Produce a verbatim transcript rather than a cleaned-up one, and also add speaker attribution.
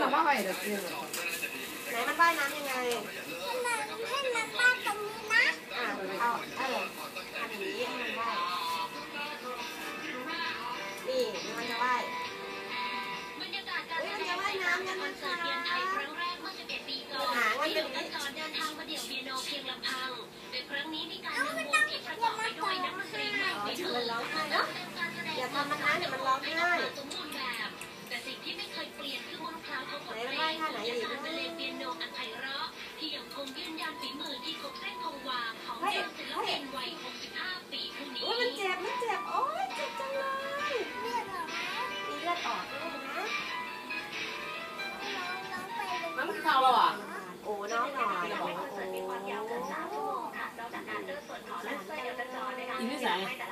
Speaker 1: เราว่าไงเดี๋ยวกินไหนมันว่ายน้ำยังไงให้มันว่ายตรงนี้นะอ่าเอาเออทำอย่างนี้ให้มันว่ายนี่มันจะว่ายมันจะว่ายน้ำยังไงคะหางมันเป็นอย่างนี้เดินทางมาเดี่ยวเปียโนเพียงลำพังโดยครั้งนี้มีการนำวงที่ประกอบไปด้วยนักดนตรีใหม่ในมือร้องไห้เนาะอย่าทำมันนะเดี๋ยวมันร้องไห้สมบูรณ์แบบแต่สิ่งที่ไม่เคยเปลี่ยนคือมนต์คลางของบทเพลงและการบรรเลงเปียโนอันไพเราะที่ยังคงยืนยันฝีมือที่คงเส้นคงวาของเจ้าศิลปินวัยหกสิบห้าปีผู้นี้มันเจ็บมันเจ็บโอ๊ยเจ็บจังเลยเลือดออกมีเลือดออกด้วยนะน้ำมันเข้าแล้วอ่ะโอ้น้องหน่อยโอ้โหมีความยาวเกินสามชั่วโมงค่ะนอกจากการเลือกส่วนถอนและเส้นกระจรในการ